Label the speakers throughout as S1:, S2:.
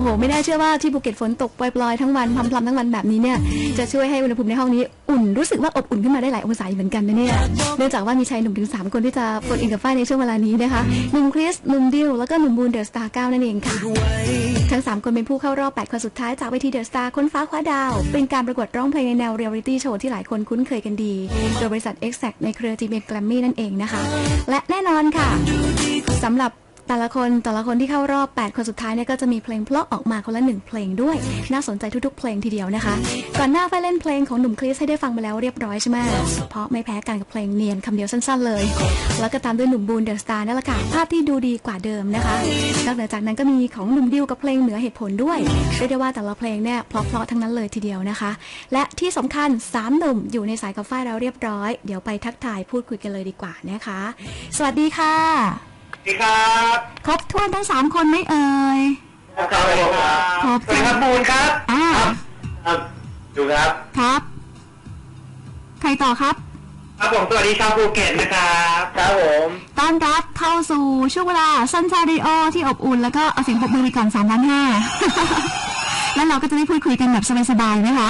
S1: หไม่น่าเชื่อว่าที่ภูเก็ตฝนตกปล่อยๆทั้งวันพรำๆทั้งวันแบบนี้เนี่ยจะช่วยให้อุณหภูมิในห้องนี้อุ่นรู้สึกว่าอบอุ่นขึ้นมาได้หลายองศาเหมือนกันนะเนี่ยเนื่องจากว่ามีชายหนุ่มถึง3คนที่จะโฟนอินกับฝ้ายในช่วงเวลานี้นะคะหนุ่มคริสหนุ่มดิวแล้วก็หนุ่มบูนเดอะสตาร์9นั่นเองค่ะทั้ง3คนเป็นผู้เข้ารอบ8คนสุดท้ายจากเวทีเดอะสตาร์ค้นฟ้าคว้าดาวเป็นการประกวดร้องเพลงในแนวเรียลลิตี้โชว์ที่หลายคนคุ้นเคยกันดีโดยบริษัท Exact ในเครือ GMM Grammy นั่นเองนะคะและแน่นอนค่ะสำหรับแต่ละคนที่เข้ารอบ8คนสุดท้ายเนี่ยก็จะมีเพลงเพราะออกมาคนละ1เพลงด้วยน่าสนใจทุกๆเพลงทีเดียวนะคะก่อนหน้าไปเล่นเพลงของหนุ่มคริสให้ได้ฟังไปแล้วเรียบร้อยใช่ไหมเพราะไม่แพ้กันกับเพลงเนียนคำเดียวสั้นๆเลยแล้วก็ตามด้วยหนุ่มบูนเดอะสตาร์นั่นแหละค่ะภาพที่ดูดีกว่าเดิมนะคะนอกจากนั้นก็มีของหนุ่มดิวกับเพลงเหนือเหตุผลด้วยเรียกได้ว่าแต่ละเพลงเนี่ยเพราะทั้งนั้นเลยทีเดียวนะคะและที่สำคัญ3หนุ่มอยู่ในสายกับฝ้ายแล้วเรียบร้อยเดี๋ยวไปทักทายพูดคุยกันเลยดีกว่านะคะสวัสดีค่ะ
S2: สวัสดีครับ
S1: ครบถ้วนทั้ง3คนไหมเอ่ย
S2: ครับผมครับสวัสดีครับบูนครับครับดูครับ
S1: ครับใครต่อครับ
S2: ครับผมสวัสดีชาวภูเก็ตนะครับครับผม
S1: ต้อนรับเข้าสู่ช่วงเวลาซันชาริโอที่อบอุ่นแล้วก็เอาเสียงปรบมือไปก่อน3 ล้าน 5แล้วเราก็จะได้พูดคุยกันแบบสบายๆนะคะ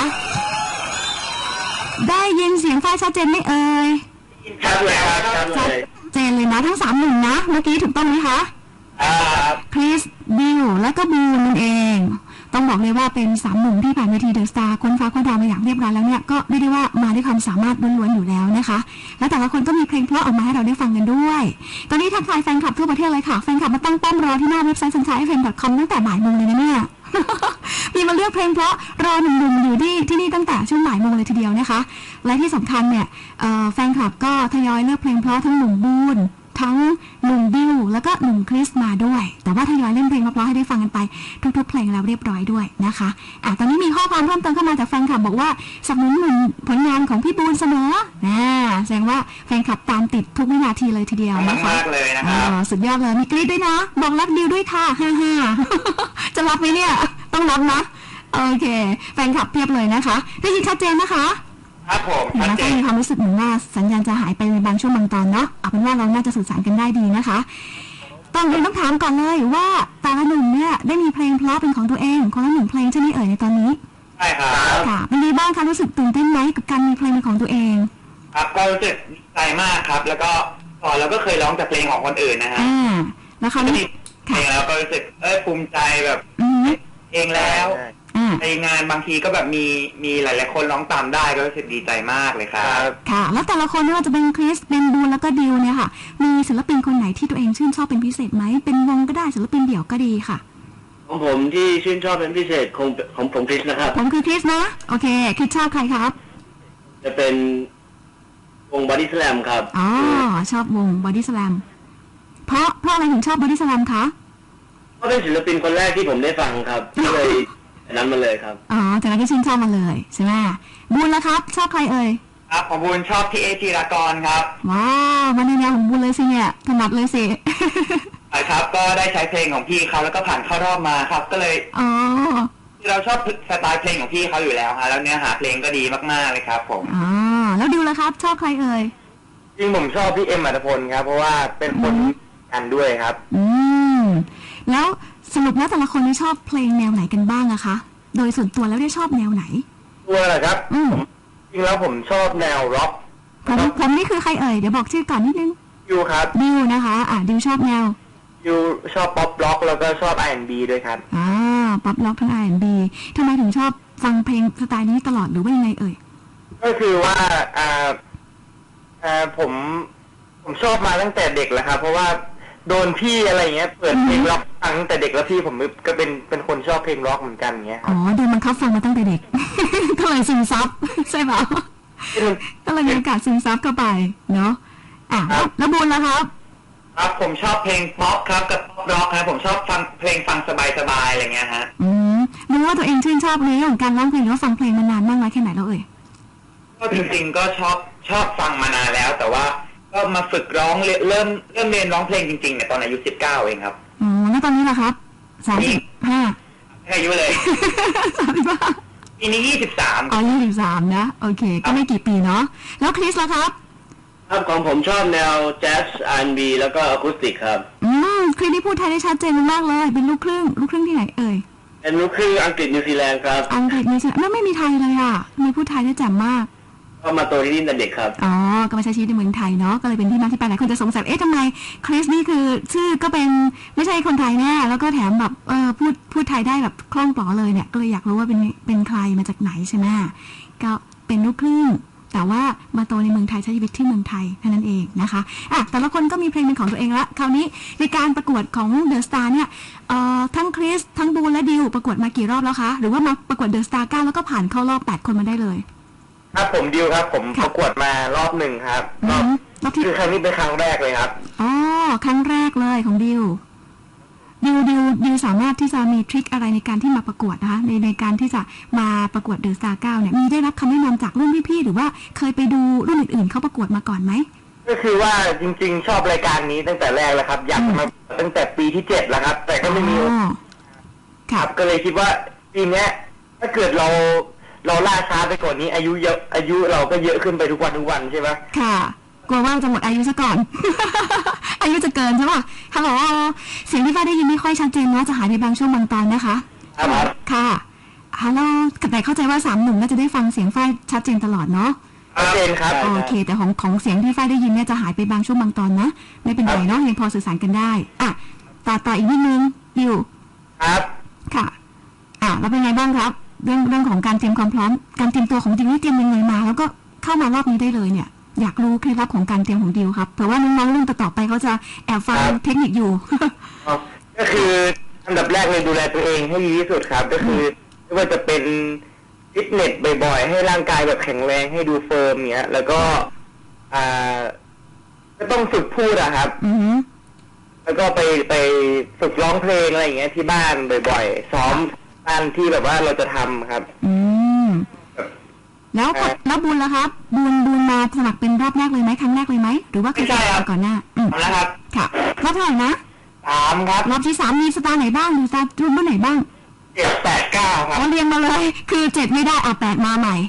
S1: ได้ยินเสียงฝ้ายชัดเจนไหมเอ่ย
S2: ชัดเลยครับชัดเลย
S1: เจนเลยนะทั้ง3หนุ่มนะเมื่อกี้ถูกต้องไหมคะคริสบิวและก็บูนนั่นเองต้องบอกเลยว่าเป็น3หนุ่มที่ผ่านเวทีเดอะสตาร์ค้นฟ้าคว้าดาวมาอย่างเรียบร้อยแล้วเนี่ยก็ไม่ได้ว่ามาด้วยความสามารถล้วนๆอยู่แล้วนะคะและแต่ละคนก็มีเพลงเพราะออกมาให้เราได้ฟังกันด้วยตอนนี้ทักทายแฟนคลับทั่วประเทศเลยค่ะแฟนคลับมาตั้งป้อมรอที่หน้าเว็บไซต์ sunshine.fm.com ตั้งแต่บ่ายโมงเลยนะเนี่ยมีมาเลือกเพลงเพราะรอหนุ่มๆอยู่ที่นี่ตั้งแต่ช่วงบ่ายโมงเลยทีเดียวนะคะและที่สำคัญเนี่ยแฟนคลับก็ทยอยเลือกเพลงเพราะทั้งหนุ่มบูนทั้งหนุ่มดิวแล้วก็หนุ่มคริสมาด้วยแต่ว่าทยอยเล่นเพลงเพราะๆให้ได้ฟังกันไปทุกๆเพลงแล้วเรียบร้อยด้วยนะคะตอนนี้มีข้อความเพิ่มเติมเข้ามาจากแฟนคลับบอกว่าสนับสนุนผลงานของพี่บูนเสมอแสดงว่าแฟนคลับตามติดทุกวินาทีเลยทีเดียวนะคะ
S2: มากเลยนะครับ
S1: สุดยอดเลยมีกรี๊ดด้วยนะบอกรักดิวด้วยค่ะ55จะรับไหมเนี่ยต้องรับนะโอเคแฟนคลับเพียบเลยนะคะได้ยินชัดเจนนะคะ
S2: ครับผม
S1: แล้วก็มีความรู้สึกเหมือนว่าสัญญาณจะหายไปในบางช่วงบางตอนเนาะเอาเป็นว่าเราน่าจะสื่อสารกันได้ดีนะคะต้องถามก่อนเลยว่าแต่ละหนุ่มเนี่ยได้มีเพลงเพราะเป็นของตัวเองคนละ1เพลงใช่ไหมเอ่ยในตอนนี้
S2: ใช่ครับ
S1: ค่ะเป็นยังไงบ้างคะรู้สึกตื่นเต้นไหมกับการมีเพลงเป็นของตัวเอง
S2: ครับก็รู้สึกดีใจมากครับแล้วก็ก่อนเราก็เคยร้องแต่เพลงของคนอื่นนะฮะ
S1: แล้วเขามี
S2: เพลงแล้วก็รู้สึกภูมิใจแบบเองแล้วในงานบางทีก็แบบมีหลายๆคนร้องตามได้ก็รู้สึกดีใจมากเลยครับ
S1: ค่ะแล้วแต่ละคนไม่ว่าจะเป็นคริสเป็นบูนแล้วก็ดิวเนี่ยค่ะมีศิลปินคนไหนที่ตัวเองชื่นชอบเป็นพิเศษไหมเป็นวงก็ได้ศิลปินเดี่ยวก็ดีค่ะ
S3: ของผมที่ชื่นชอบเป็นพิเศษของผมคริสนะครับ
S1: ผมคือคริสนะโอเคคริสชอบใครครับ
S3: จะเป็นวงบอดี้สแลมครับ
S1: อ๋อชอบวงบอดี้สแลมเพราะอะไรถึงชอบบอดี้สแลมคะ
S3: เพราะเป็นศิลปินคนแรกที่ผมได้ฟังครับก็เลยนั้นมาเลยครับ
S1: อ๋อจากนั้นก็ชื่นชอบมาเลยใช่ไหมบูนแล้วครับชอบใครเอ่ย
S2: ครับของบูนชอบพี่จิรากรครับ
S1: ว้าวมาในแนวของบูนเลยสิเนี่ยถนัดเลยสิ
S2: ครับก็ได้ใช้เพลงของพี่เขาแล้วก็ผ่านเข้ารอบมาครับก็เลยเราชอบสไตล์เพลงของพี่เขาอยู่แล้วฮะแล้วเนื้อหาเพลงก็ดีมากๆเลยครับผม
S1: แล้วดิวล่ะครับชอบใครเอ่ย
S2: จริงผมชอบพี่เอ็มอัตพลครับเพราะว่าเป็นคนกันด้วยครับ
S1: แล้วสรุปแล้วแต่ละคนได้ชอบเพลงแนวไหนกันบ้างอะคะโดยส่วนตัวแล้วได้ชอบแนวไหน
S2: ตัวอะไรครับจริงแล้วผมชอบแนวร็อก
S1: ผมนี่คือใครเอ่ยเดี๋ยวบอกชื่อก่อนนิดนึง
S2: ดิวครับ
S1: ดิวนะคะดิวชอบแนว
S2: ดิวชอบป๊อปร็อกแล้วก็ชอบ R&B ด้วยครับ
S1: ป๊อปร็อกทั้ง R&B ทำไมถึงชอบฟังเพลงสไตล์นี้ตลอดหรือว่ายังไงเอ่ย
S2: ก็คือว่าผมชอบมาตั้งแต่เด็กแล้วครับเพราะว่าโดนพี่อะไรเงี้ยเปิดเพลงร็อกฟังตั้งแต่เด็กแล้วพี่ผมก็เป็นคนชอบเพลงร็อกเหมือนกันเงี้ย
S1: โดนบังคับฟังมาตั้งแต่เด็กก็เลยซึมซับใช่ไหมก็เลยมีโอกาสซึมซับเข้าไปเนาะแล้วบูนล่ะครับ
S2: ครับผมชอบเพลงป๊อปครับกับป๊อปร็อกครับผมชอบฟังเพลงฟังสบายๆอะไรเงี้ยฮะ
S1: รู้ว่าตัวเองชื่นชอบเรื่องการร้องเพลงแล้วฟังเพลงมานานมากน้อยแค่ไหนแล้วเอ่ย
S2: ก็จริงๆก็ชอบฟังมานานแล้วแต่ว่าก็มาฝึกร้องเริ่มเรียนร้องเพลงจริงๆเนี่ยตอนอายุ19เองครับ
S1: แล้วตอนนี้ล่ะครับ35
S2: อายุเลย
S1: 35
S2: ปีนี้23
S1: 23นะโอเคก็ไม่กี่ปีเนาะแล้วคริสล่ะครับ
S3: ครับของผมชอบแนวแจ๊ส R&B แล้วก็อะคูสติกครับ
S1: คริสนี่พูดไทยได้ชัดเจนมากเลยเป็นลูกครึ่งที่ไหนเอ่ย
S3: เป็นลูกครึ่งอังกฤษนิวซีแลนด์ครับ
S1: อังกฤษนิวซีแลนด์ไม่มีไทยเลยอ่ะมีพูดไทยได้แจ่มมาก
S3: ก็มาโตที่นี่ตั้งแต่เด็กครับ
S1: อ๋อก็มาใช้ชีวิตในเมืองไทยเนาะก็เลยเป็นที่มาที่ไปหลายคนจะสงสัยทำไมคริสนี่คือชื่อก็เป็นไม่ใช่คนไทยแน่แล้วก็แถมแบบพูดไทยได้แบบคล่องปลอเลยเนี่ยก็เลยอยากรู้ว่าเป็นใครมาจากไหนใช่ไหมก็เป็นลูกครึ่งแต่ว่ามาโตในเมืองไทยใช้ชีวิตที่เมืองไทยเท่านั้นเองนะคะแต่ละคนก็มีเพลงเป็นของตัวเองละคราวนี้ในการประกวดของเดอะสตาร์เนี่ยทั้งคริสทั้งบูนและดิวประกวดมากี่รอบแล้วคะหรือว่ามาประกวดเดอะสตาร์9แล้วก็ผ่านเข้ารอบ8คนมาได้เลย
S2: ครับผมดิวครับผมประกวดมารอบหนึ่งครับรอบที่คือครั้งนี้เป็นครั้งแรกเลยครับ
S1: อ๋อครั้งแรกเลยของดิวสามารถที่จะมีทริคอะไรในการที่มาประกวดนะคะในการที่จะมาประกวดเดอะสตาร์9เนี่ยมีได้รับคำแนะนำจากรุ่นพี่ๆหรือว่าเคยไปดูรุ่นอื่นๆเขาประกวดมาก่อนไหม
S2: ก็คือว่าจริงๆชอบรายการนี้ตั้งแต่แรกแล้วครับอยากมาตั้งแต่ปีที่7แล้วครับแต่ก็ไม่มีครับก็เลยคิดว่าปีนี้ถ้าเกิดเราล่าช้าไปก่อนนี้อายุเราก็เยอะขึ้นไปทุกวันใช่ไหม
S1: ค่ะกลัวว่าจะหมดอายุซะก่อน อายุจะเกินใช่ป่ะฮัลโหลเสียงที่ฟ้าได้ยินไม่ค่อยชัดเจนนะจะหายไปบางช่วงบางตอนนะคะ
S2: ครับ
S1: ค่ะฮัลโหลแต่เข้าใจว่า3 หนุ่มน่าจะได้ฟังเสียงฝ้ายชัดเจนตลอดเนาะ
S2: ชัดเจนครับ
S1: โอเคแต่ของเสียงที่ฝ้ายได้ยินเนี่ยจะหายไปบางช่วงบางตอนนะไม่เป็นไรเนาะยังพอสื่อสารกันได้ต่ออีกนิดนึงดิว
S2: ครับ
S1: ค่ะแล้วเป็นไงบ้างครับเรื่องของการเตรียมความพร้อมการเตรียมตัวของดิวนี่เตรียมยังไงมาแล้วก็เข้ามารอบนี้ได้เลยเนี่ยอยากรู้เคล็ดลับของการเตรียมของดิวครับเพราะว่าน้องๆรุ่นต่อไปเขาจะแอบฟังเทคนิคอยู่
S2: ก็คืออันดับแรกเลยดูแลตัวเองให้ดีที่สุดครับก็คือไม่ว่าจะเป็นฟิตเนสบ่อยๆให้ร่างกายแบบแข็งแรงให้ดูเฟิร์มเนี้ยแล้วก็ก็ต้องฝึกพูดอะครับแล้วก็ไปฝึกร้องเพลงอะไรอย่างเงี้ยที่บ้านบ่อยๆซ้อมบ้านที่แบบว่าเราจะทำครับ
S1: แล้วบุญล่ะครับบุญมาสมัครเป็นรอบแรกเลยไหมครั้งแรกเลยไหมหรือว่าเคยก่อนหน้า
S2: แล้วครับ
S1: ค่ะรอบเท่าไหร่นะ
S2: 3ครับ
S1: รอบที่3มีสตาร์ไหนบ้างมีสตาร์รุ่นไหนบ้าง
S2: 7 8 9ครับ
S1: เรียงมาเลยคือ7ไม่ได้8มาใหม่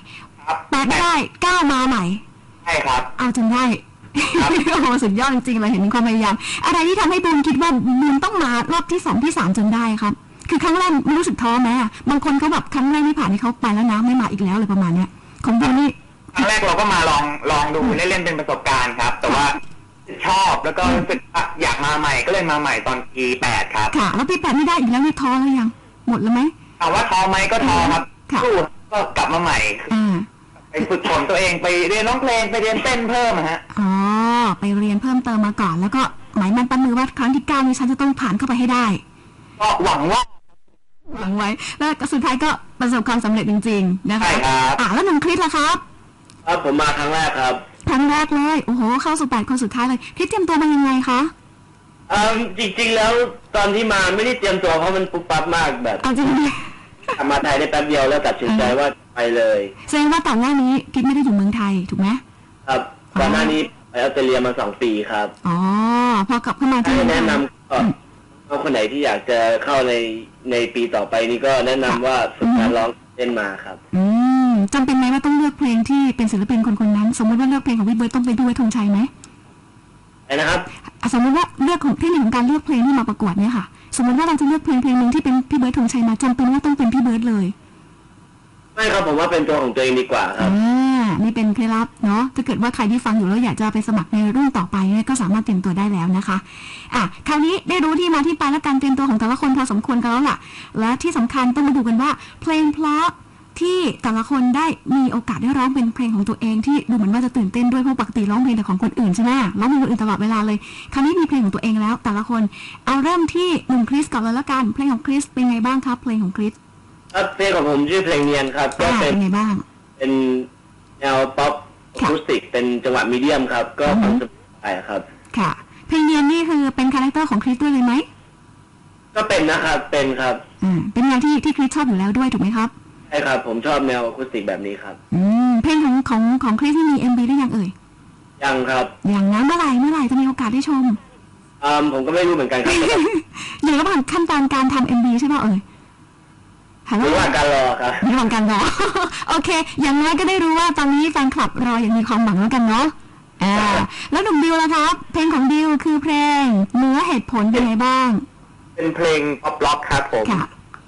S1: 8ไม่ได้9มาใหม่
S2: ใช่ครับ
S1: เอาจนได้โอ้โหสุดยอดจริงๆเลยเห็นความพยายามอะไรที่ทำให้บุญคิดว่าบุญต้องมารอบที่2ที่3จนได้ครับคือครั้งแรกไม่รู้สึกท้อไหมบางคนเขาแบบครั้งแรกไม่ผ่านให้เขาไปแล้วนะไม่มาอีกแล้วเลยประมาณเนี้ยของบุญนี่
S2: ครั้งแรกเราก็มาลองดูเล่นๆเป็นประสบการณ์ครับแต่ว่าชอบแล้วก็รู้สึกอยากมาใหม่ก็เลยมาใหม่ตอนปี8ครับ
S1: ค่ะแล้วปี8ไม่ได้อีกแล้วนี่ท้อแล้วยังหมดแล้วไหม
S2: ถามว่าท้อไหมก็ท้อครับสู้ก็กลับมาใหม่ไปฝึกฝนตัวเองไปเรียนร้องเพลงไปเรียนเต้นเพิ่มฮะ
S1: ไปเรียนเพิ่มเติมมาก่อนแล้วก็หมายมั่นปั้นมือว่าครั้งที่9นี้ฉันจะต้องผ่านเข้าไปให้ได้
S2: ก็หวังไ
S1: ว้แล้วสุดท้ายก็ประสบความสำเร็จจริงๆนะคะ
S2: ใช่ครับ
S1: แล้วหนุ่มคริสล่ะครับ
S3: ผมมาครั้งแรกครับ
S1: ครั้งแรกเลยโอ้โหเข้าสู่8คนสุดท้ายเลยคริสเตรียมตัวมายังไงคะ
S3: จริงๆแล้วตอนที่มาไม่ได้เตรียมตัวเพราะมันปุ๊บปั๊บมากแบบ
S1: จริง
S3: มาไทยได้แป๊บเดียวแล้วตัดสินใจว่าไปเลย
S1: แสดงว่าต่างหน้านี้คริสไม่ได้อยู่เมืองไทยถูกไหม
S3: ครับก่อนหน้านี้ไปออสเตรเลียมา2 ปีครับ
S1: พอกลับเข้ามาที่
S3: แนะนำก็คนไหนที่อยากจะเข้าในปีต่อไปนี้ก็แนะนำว่าฝึกการร้องเต้นมาครับ
S1: จำเป็นไหมว่าต้องเลือกเพลงที่เป็นศิลปินคนนั้นสมมติว่าเลือกเพลงของพี่เบิร์ดต้องไปด้วยธงชัยไหม
S3: นะครับ
S1: สมมติว่าเลือกของเทคนิคของการเลือกเพลงที่มาประกวดเนี่ยค่ะสมมติว่าเราจะเลือกเพลงนึงที่เป็นพี่เบิร์ดธงชัยมาจำเป็นว่าต้องเป็นพี่เบิร์ดเลย
S3: ไม่ครับผมว่าเป็นตัวของตัวเองดีกว่าครับ
S1: นี่เป็นเคล็ดลับเนาะถ้าเกิดว่าใครที่ฟังอยู่แล้วอยากจะไปสมัครในรุ่นต่อไปเนี่ยก็สามารถเตรียมตัวได้แล้วนะคะคราวนี้ได้รู้ที่มาที่ไปและการเตรียมตัวของแต่ละคนพอสมควรกันแล้วล่ะและที่สำคัญต้องมาดูกันว่าเพลงเพราะที่แต่ละคนได้มีโอกาสได้ร้องเป็นเพลงของตัวเองที่ดูเหมือนว่าจะตื่นเต้นด้วยเพราะปกติร้องเพลงแต่ของคนอื่นใช่ไหมร้องเพลงคนอื่นตลอดเวลาเลยคราวนี้มีเพลงของตัวเองแล้วแต่ละคนเอาเริ่มที่หนุ่มคริสก่อนเลยละกันเพลงของคริสเป็นไงบ้างครับเพลงของคริส
S3: เพลงของผมชื่อเพลงเนียนครับ
S1: ก็เป็นไงบ้าง
S3: เป็นแนวป๊อปอะคูสติกเป็นจังหวะมีเดียมครับก็ฟังสบายครับ
S1: ค่ะเพลงเนียนนี่คือเป็นคาแรคเตอร์ของคริสด้วยเลยไหม
S3: ก็เป็นนะครับเป็นครับ
S1: เป็นแนวที่คริสชอบอยู่แล้วด้วยถูกไหมครับ
S3: ใช่ครับผมชอบแนวอะคูสติกแบบนี้ครับ
S1: เพลงของคริสนี่มี MV หรือยังเอ่ย
S3: ยังครับ
S1: อย่างนั้นเมื่อไหร่จะมีโอกาสได้ชม
S3: ผมก็ไม่รู้เหมือนกันครับ
S1: อยู่ระหว่างขั้นตอนการทำ MV ใช่ไหมเอ่ย
S3: ระหว่างการรอครับ
S1: ระหว่างการรอโอเคอย่างน้อยก็ได้รู้ว่าตอนนี้แฟนคลับรออย่างมีความหวังแล้วกันเนาะแล้วหนุ่มดิวล่ะครับเพลงของดิวคือเพลงเนื้อเหตุผลเป็นไงบ้าง
S2: เป็นเพลงป๊อปล็อกครับผม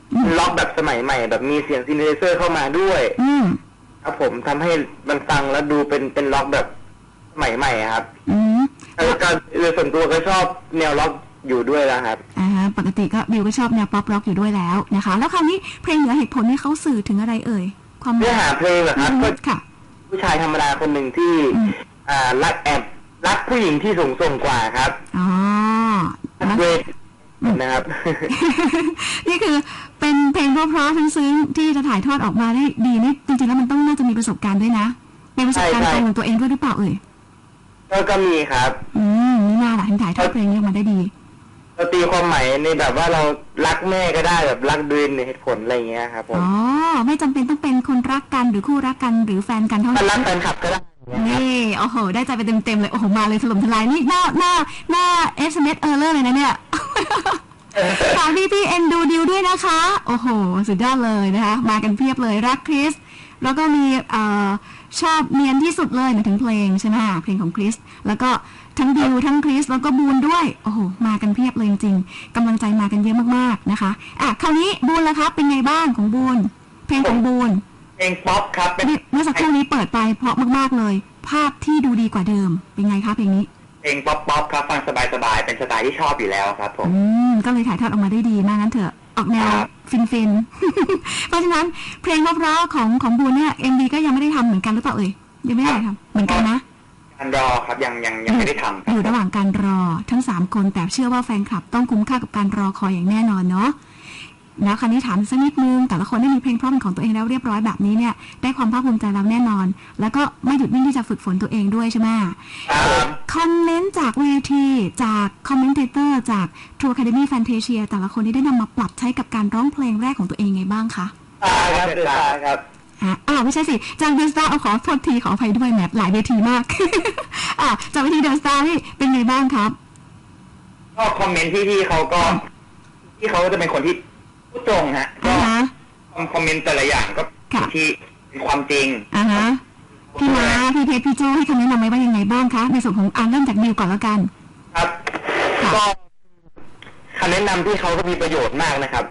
S2: ล็อกแบบสมัยใหม่แบบมีเสียงซินเทไซเซอร์เข้ามาด้วยครับผมทำให้มันฟังแล้วดูเป็นล็อกแบบสมัยใหม่ครับแล้วก็โดยส่วนตัวก็ชอบแนวล็อกอยู่ด้วยแล้วครับ
S1: ปกติก็บิวก็ชอบแนวป๊อปร็อกอยู่ด้วยแล้วนะคะแล้วคราวนี้เพลงเหนือเหตุผลนี่เขาสื่อถึงอะไรเอ่ยความ
S2: เนื้อหาเพลงเหรอครับก็ผู้ชายธรรมดาคนหนึ่งที่รักผู้หญิงที่สูงส่งกว่าครับเวทนะครับ
S1: นี่คือเป็นเพลงเพราะๆซึ้งๆที่จะถ่ายทอดออกมาได้ดีนี่จริงๆแล้วมันต้องน่าจะมีประสบการณ์ด้วยนะเป็นประสบการณ์ตรงของตัวเองด้วยหรือเปล่าเอ่ย
S2: ก็มีครับ
S1: นี่น่าล่ะถึงถ่ายทอดเพลงนี้ออกมาได้ดี
S2: เราตีความหมายในแบบว่าเรารักแม่ก็ได้แบบรักด้วยเหตุผลอะไรเงี้ยครับผม
S1: ไม่จำเป็นต้องเป็นคนรักกันหรือคู่รักกันหรือแฟนกันเท่านั้น
S2: รักแฟนคลับก็ได้
S1: นี่โอ้โหได้ใจไปเต็มๆเลยโอ้โหมาเลยถล่มทลายนี่หน้า SMS Error เลยนะเนี่ยฝากพี่เอ็นดูดิวด้วยนะคะโอ้โหสุดยอดเลยนะคะมากันเพียบเลยรักคริสแล้วก็มีชอบเนียนที่สุดเลยถึงเพลงใช่ไหมเพลงของคริสแล้วก็ทั้งดิวทั้งคริสแล้วก็บูนด้วยโอ้โหมากันเพียบเลยจริงๆกำลังใจมากันเยอะมากๆนะคะคราวนี้บูนล่ะครับเป็นไงบ้างของบูนเพลงของบูน
S2: เพลงป๊อปครับ
S1: เมื่อสักครู่นี้เปิดไปเพราะมากๆเลยภาพที่ดูดีกว่าเดิมเป็นไงคะเพลงนี้
S2: เพลงป๊อปครับฟังสบายๆเป็นสไตล์ที่ชอบอยู่แล้วครับผม
S1: ก็เลยถ่ายทอดออกมาได้ดีมากงั้นเถอะออกแนวฟินเพราะฉะนั้นเพลงเพราะๆของบูนเนี่ย MV ก็ยังไม่ได้ทำเหมือนกันหรือเปล่าเอ่ยยังไม่ได้ทำเหมือนกันนะ
S2: การรอครับยังไม่ได้ทำ
S1: อยู่ระหว่างการรอทั้ง3คนแต่เชื่อว่าแฟนคลับต้องคุ้มค่ากับการรอคอยอย่างแน่นอนเนาะแล้วคราวนี้ถามสักนิดนึงแต่ละคนได้มีเพลงเพราะเป็นของตัวเองแล้วเรียบร้อยแบบนี้เนี่ยได้ความภาคภูมิใจแล้วแน่นอนแล้วก็ไม่หยุดนิ่งที่จะฝึกฝนตัวเองด้วยใช่ไหมคอมเมนต์จากเวทีจากคอมเมนเตอร์จาก True Academy Fantasia แต่ละคนที่ได้นำมาปรับใช้กับการร้องเพลงแรกของตัวเองไงบ้างคะ
S2: ครับ
S1: ไม่ใช่สิจากเดอะสตาร์ขอโทษทีขออภัยด้วยแมทหลายเวทีมากจากเวทีเดอะสตาร์นี่เป็นไงบ้างครับ
S2: ก็คอมเมนต์ที่เขาก็ที่เขาจะเป็นคนที่พูดตรงฮะก็คอมเมนต์แต่ละอย่างก็ที่เป็นความจริง
S1: พี่ม้าพี่เพชรพี่โจให้คำแนะนำไว้ว่ายังไงบ้างคะในส่วนของเริ่มจากดิวก่อนแล้วกัน
S2: ครับก็คำแนะนำที่เขาก็มีประโยชน์มากนะครับ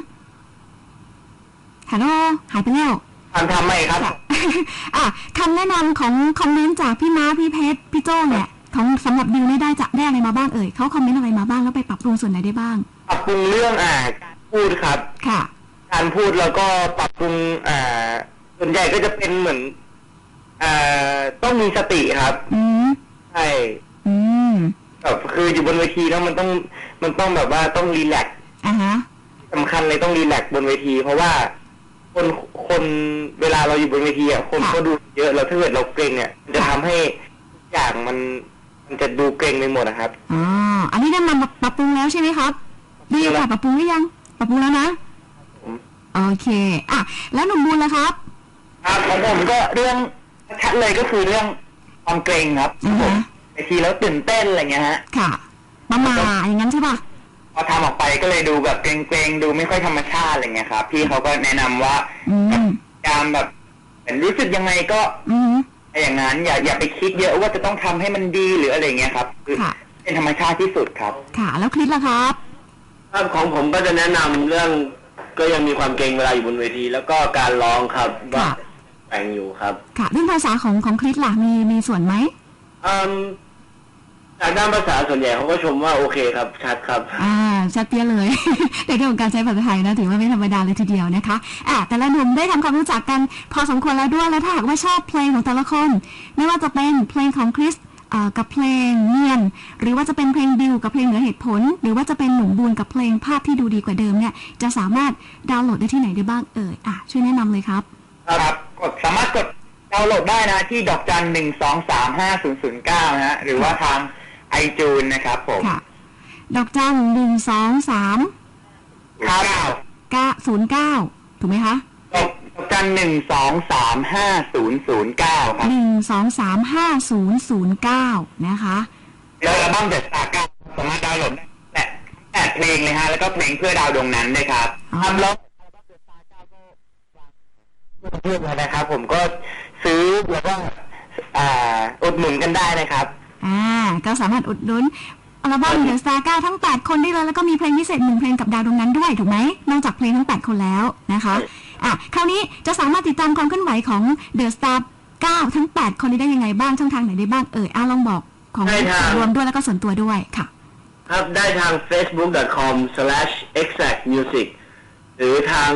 S1: ฮัลโหลหายไปแล้ว
S2: ทำไหมครับ
S1: คำแนะนำของคอมเมนต์จากพี่ม้าพี่เพชรพี่โจเนี่ยของสำหรับดิวได้อะไรมาบ้างเอ่ยเขาคอมเมนต์อะไรมาบ้างแล้วไปปรับปรุงส่วนไหนได้บ้าง
S2: ปรับปรุงเรื่องพูดครับการพูดแล้วก็ปรับปรุงส่วนใหญ่ก็จะเป็นเหมือนต้องมีสติครับใช่แบบคืออยู่บนเวทีแล้วมันต้องแบบว่าต้องรีแลกซ์สำคัญเลยต้องรีแลกซ์บนเวทีเพราะว่าคนเวลาเราอยู่บนเวทีคนก็ดูเยอะแล้วถ้าเกิดเราเกรงเนี่ยจะทำให้อย่างมันจะดูเกรงไปหมดนะครับ
S1: อันนี้ได้มาปรับปรุงแล้วใช่ไหมครับดีค่ะปรับปรุงหรือยังปรับปรุงแล้วนะโอเคแล้วหนุ่มบุญล่ะครับ
S2: ของผมก็เรื่องชัดเลยก็คือเรื่องความเกรงครับผมไอทีแล้วตื่นเต้นอะไรเงี้ยฮะ
S1: ค่ะประมาอย่างนั้นใช่ป่ะ
S2: พอทำออกไปก็เลยดูแบบเกรงๆดูไม่ค่อยธรรมชาติอะไรเงี้ยครับพี่เขาก็แนะนำว่าการแบบเหมือนรู้สึกยังไงก็อย่างนั้นอย่าไปคิดเยอะว่าจะต้องทำให้มันดีหรืออะไรเงี้ยครับคือเป็นธรรมชาติที่สุดครับ
S1: ค่ะแล้วคลิปล่ะครับ
S3: ของผมก็จะแนะนำเรื่องก็ยังมีความเกรงเวลาอยู่บนเวทีแล้วก็การร้องครับว่าแต่งอยู่ครับ
S1: ค่ะเรื่องภาษาของคลิปล่ะมีส่วนไหม
S3: จากด้านภาษาส่วนใหญ่เขาก็ชมว่าโอเคครับชัดครับ
S1: ชัดเปี้ยเลยในเรื่องของการใช้ภาษาไทยนะถือว่าไม่ธรรมดาเลยทีเดียวนะคะแต่ละหนุ่มได้ทำความรู้จักกันพอสมควรแล้วด้วยแล้วถ้าหากว่าชอบเพลงของแต่ละคนไม่ว่าจะเป็นเพลงของคริสกับเพลงเนียนหรือว่าจะเป็นเพลงดิวกับเพลงเหนือเหตุผลหรือว่าจะเป็นหนุ่มบูนกับเพลงภาพที่ดูดีกว่าเดิมเนี่ยจะสามารถดาวน์โหลดได้ที่ไหนได้บ้างช่วยแนะนำเลยครับ
S2: ครับสามารถกดดาวน์โหลดได้นะที่ดอกจัน1235009นะฮะหรือว่าทางiTunes นะครับผม
S1: ค่ะดอกจัน12309ถูกไหมคะ
S2: ดอกจัน1235009ครับ
S1: 1235009นะคะ
S2: แล้วอัลบั้มเดอะสตาร์9สามารถดาวน์โหลดได้8เพลงเลยฮะแล้วก็เพลงเพื่อดาวดวงนั้นด้วยครับทำแล้วเพื่อนนะครับผมก็ซื้อแล้วก็อุดหนุนกันได้นะครับ
S1: ก็สามารถอุดหนุนอัลบั้ม The Star 9 ทั้ง 8 คนได้เลยแล้วก็มีเพลงพิเศษ1เพลงกับดาวดวงนั้นด้วยถูกไหมนอกจากเพลงทั้ง 8 คนแล้วนะคะคราวนี้จะสามารถติดตามความเคลื่อนไหวของ The Star 9 ทั้ง 8 คนนี้ได้ยังไงบ้างช่องทางไหนได้บ้างลองบอกของส่วนรวมด้วยแล้วก็ส่วนตัวด้วยค่ะ
S3: ครับได้ทาง facebook.com/exactmusic หรือทาง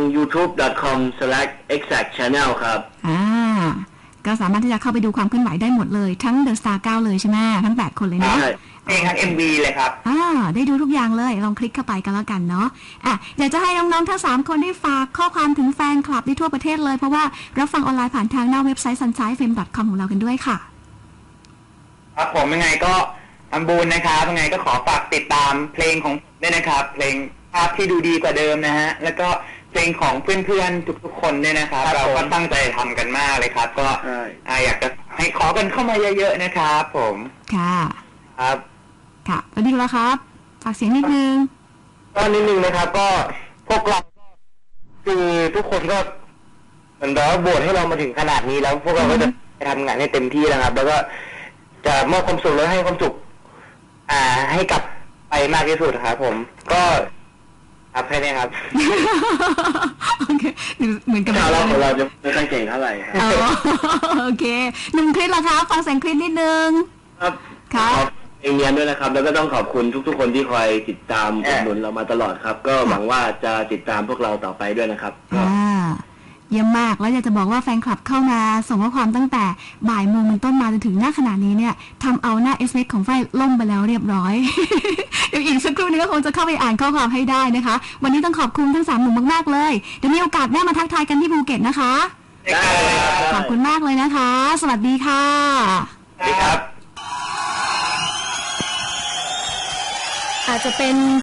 S3: youtube.com/exactchannel ครับ
S1: ก็สามารถที่จะเข้าไปดูความเคลื่อนไหวได้หมดเลยทั้ง The Star 9 เลยใช่ไหมทั้ง 8 คนเลยเนาะ
S2: เองทั้ง MV เลยครับ
S1: ได้ดูทุกอย่างเลยลองคลิกเข้าไปกันแล้วกันเนาะอยากจะให้น้องๆทั้ง3คนได้ฝากข้อความถึงแฟนคลับที่ทั่วประเทศเลยเพราะว่ารับฟังออนไลน์ผ่านทางหน้าเว็บไซต์ sunshinefm.com ของเรากันด้วยค่ะ
S2: ครับผมยังไงก็ทำบุญนะครับยังไงก็ขอฝากติดตามเพลงของด้วยนะครับเพลงภาพที่ดูดีกว่าเดิมนะฮะแล้วก็เพลงของเพื่อนๆทุกๆคนเนี่ยนะครับเราก็ตั้งใจทำกันมากเลยครับก็อยากจะให้ขอกันเข้ามาเยอะๆนะครับผม
S1: ค่ะ
S2: ครับ
S1: ค่ะแล้วดีแล้วครับฝากเสียงนิดนึง
S2: ก็นิดนึงนะครับก็พวกเราคือทุกคนก็เหมือนแบบว่าโหวตให้เรามาถึงขนาดนี้แล้วพวกเราก็จะทำงานให้เต็มที่นะครับแล้วก็จะมอบความสุขและให้ความสุขให้กับไปมากที่สุดครับผมก็ครับแค่นี้ครับ
S1: โอเคเหมือนกับ
S3: เราจะไม่ค่อยเก่งเท่าไหร่ครับ
S1: โอเค1คลิปละครับฟังเสียงคลิปนิดนึง
S3: ครับเองเรียนด้วยนะครับแล้วก็ต้องขอบคุณทุกๆคนที่คอยติดตามอุดหนุนเรามาตลอดครับก็หวังว่าจะติดตามพวกเราต่อไปด้วยนะครับ
S1: เยี่ยมมากแล้วอยากจะบอกว่าแฟนคลับเข้ามาส่งข้อความตั้งแต่บ่ายโมงเป็นต้นมาจนถึงหน้าขณะนี้เนี่ยทำเอาหน้า SMS ของไฟล่มไปแล้วเรียบร้อย เดี๋ยวอีกสักครู่นึงก็คงจะเข้าไปอ่านข้อความให้ได้นะคะวันนี้ต้องขอบคุณทั้ง3หนุ่มมากๆเลยเดี๋ยวมีโอกาสแน่มาทักทายกันที่ภูเก็ตนะคะขอบคุณมากเลยนะคะสวัสดีค่ะ
S2: สวัสดีครับ
S1: อาจจะเป็น